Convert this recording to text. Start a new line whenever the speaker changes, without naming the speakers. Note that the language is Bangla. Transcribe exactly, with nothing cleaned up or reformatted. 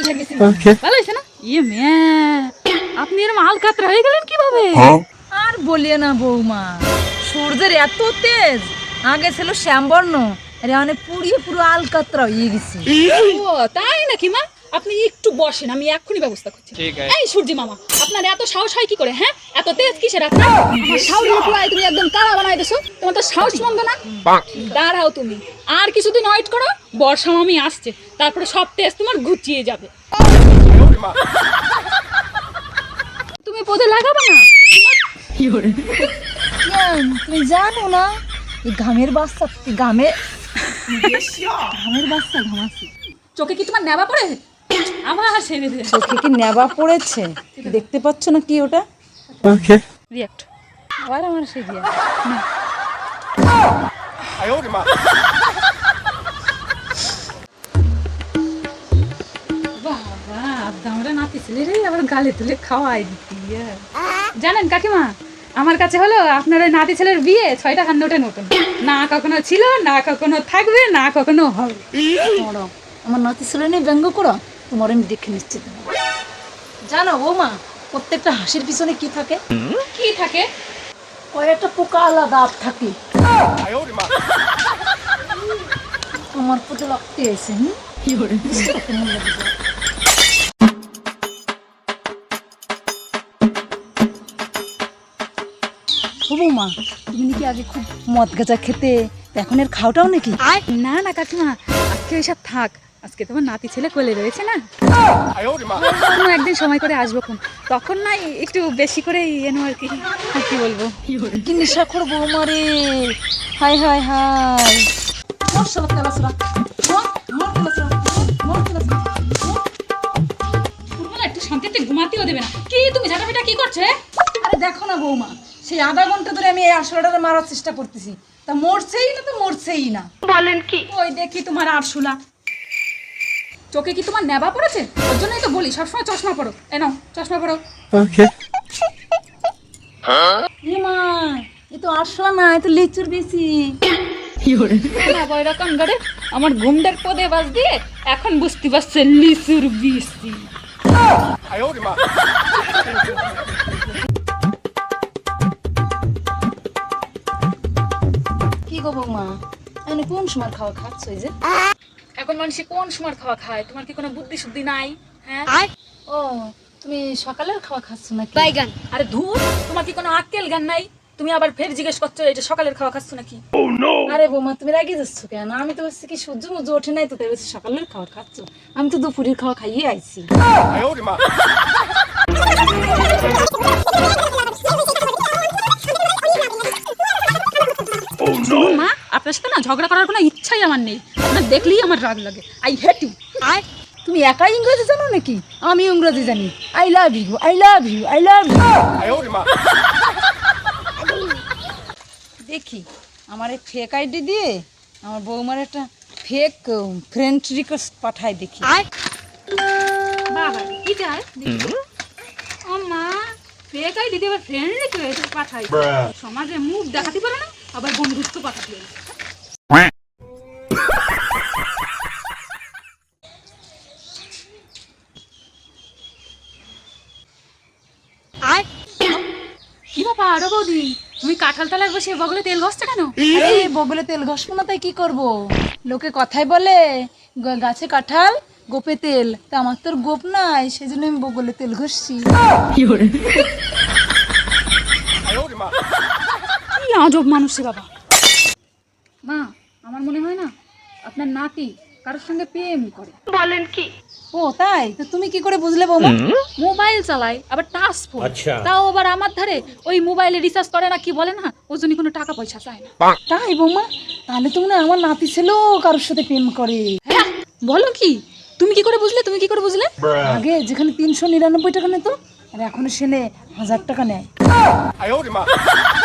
ভালো হয়েছে না? ইয়ে মেয়ে, আপনি এরকম আলকাতরা হয়ে গেলেন কিভাবে?
আর বলিয়ে না বৌমা, সূর্যের এত তেজ, আগে ছিল শ্যামবর্ণ, আরে মানে পুড়িয়ে পুরো আলকাতরা হয়ে গেছে।
ও তাই নাকি মা? আপনি একটু বসেন, আমি এক্ষুনি ব্যবস্থা করছি। এই সূর্যি মামা, আপনার এত সাহস হয় কি করে? হ্যাঁ, এত তেজ কিসের আপনার? আমার সাহস পুরাই তুমি একদম কালা বানাই দেছো। তোমার তো সাহস মন্দ না। দাঁড়াও তুমি, আর কিছুদিন ওয়েট করো, বর্ষা মামি আসছে, তারপরে সব তেজ তোমার ঘুচিয়ে যাবে। তুমি পদে লাগাবে না?
কেন, তুমি জানো না এই ঘামের বাচ্চা, ঘামে ঘামের বাচ্চা ঘামাচ্ছে।
চোখে কি তোমার নেবা পড়ে? আবার ছেড়ে দে।
চোখে কি নেবা পড়েছে? দেখতে পাচ্ছ না কি ওটা?
Okay
react.
আবার আমার সে দিয়া
বাবা, আমরা নাতি ছেলে রে, আবার গালে তুলে খাওয়াই দিতি। জানেন কাকিমা, আমার কাছে হলো আপনার ওই নাতি ছেলের বিয়ে ছয়টা খান নোটে নতুন, না কখনো ছিল, না কখনো থাকবে, না কখনো হবে।
মরম, আমার নাতি ছেলে নিয়ে ব্যঙ্গ করো, তোমার আমি দেখে নিশ্চিত। জানো বৌমা, প্রত্যেকটা হাসির পিছনে কি থাকে?
কি থাকে?
কয়েকটা পোকা আলাদা দাঁত থাকে। তোমার প্রতি লাগতে আছে। হুম, কি করে বৌমা, তুমি নাকি আগে খুব মদ গাঁজা খেতে, এখন এর খাওয়াটাও নাকি?
না না কাকিমা, আজকে ওইসব থাক, আজকে তোমার নাতি ছেলে কোলে রয়েছে না, অন্য একদিন সময় করে আসবো কোন, তখন না একটু বেশি করে এনো আর কি। আর কি বলবো,
কি নেশা করো বৌমা রে, হাই হাই হাই। মোর সব তেলাসরা, মোর মোর তেলাসরা, মোর তেলাসরা।
পুরো না একটু শান্তিতে ঘুমাতেও দেবে না। কি তুমি ঝাঁটাপিটা কি করছে?
আরে দেখো না বৌমা, সেই আধা ঘন্টা ধরে আমি এই আরশোলাটারে মারার চেষ্টা করতেছি, তা মরছেই না, তো মরছেই না।
বলেন কি? ওই দেখি তোমার আরশুলা, চোখে কি তোমার নেবা পড়েছে? ওর জন্যই তো বলি সবসময় চশমা পরো। এ নাও চশমা পরো।
ওকে
এ মা, এ তো আরশোলা না, এ তো লিচুর বেশি।
এরকম করে আমার ঘুমটার পদে বাজ দিয়ে এখন বুঝতে পারছে লিচুর বিসি।
কি গো বৌমা, মানে কোন সময় খাওয়া খাচ্ছ এই যে?
এখন মানুষ কোন সময় খাওয়া খায়? তোমার কি কোনো বুদ্ধি শুদ্ধি নাই? হ্যাঁ,
ও, তুমি সকালের খাওয়া খাচ্ছ নাকি?
বাইগান। আরে ধুর, তোমার কি কোনো আক্কেল জ্ঞান নাই? তুমি আবার ফের জিজ্ঞেস করছো এটা সকালের খাওয়া খাচ্ছ নাকি?
আরে বৌমা, তুমি রাগে যাচ্ছ কেন? আমি তো হচ্ছে কি সূর্য মুজো ওঠে নাই, তো তাই বলছি সকালের খাওয়া খাচ্ছ। আমি তো দুপুরের খাওয়া খাইয়ে আইছি।
শুনুন মা, আপনার সাথে না ঝগড়া করার কোনো ইচ্ছাই আমার নেই। আপনার দেখলেই আমার রাগ লাগে। I hate you.
আয়, তুমি একাই ইংরেজি জানো নাকি? আমি ইংরেজি জানি। I love you, I love you, I love you. দেখি আমার এই ফেক আইডি দিয়ে আমার বৌমার একটা ফেক ফ্রেন্ড রিকোয়েস্ট পাঠাই দেখি।
বাবা কি যায়? ও মা, ফেক আইডি দিয়ে আবার ফ্রেন্ড রিকোয়েস্ট পাঠাই। সমাজে মুখ দেখাতে পারে না, আবার বন্ধুত্ব পাঠাতে পারে। কি ব্যাপার আরো বৌদি, তুমি কাঁঠাল তলায় বসে বগলে তেল ঘষছো কেন?
আরে বগলে তেল ঘষবো না তাই কি করব? লোকে কথাই বলে গ- গাছে কাঁঠাল গোপে তেল, তা আমার তোর গোপ নাই, সেজন্য আমি বগলে তেল ঘষছি।
কি আজব মানুষ রে বাবা। মা, আমার মনে হয় না আপনার নাতি কারোর সঙ্গে প্রেম করে। বলেন কি?
ও তাই? তো তুমি কি করে বুঝলে বৌমা?
মোবাইল চালায়, আবার টাচ ফোন, তাও আবার আমার ধারে। ওই মোবাইলে রিচার্জ করে না কি বলে না, ওর জন্য কোনো টাকা পয়সা চায় না।
তাই বৌমা? তাহলে তো মনে হয় আমার নাতি ছেলেও কারোর সাথে প্রেম করে।
হ্যাঁ, বলো কি? তুমি কি করে বুঝলে? তুমি কি করে বুঝলে?
আগে যেখানে তিনশো নিরানব্বই টাকা নিত, আর এখন সেনে হাজার টাকা নেয়।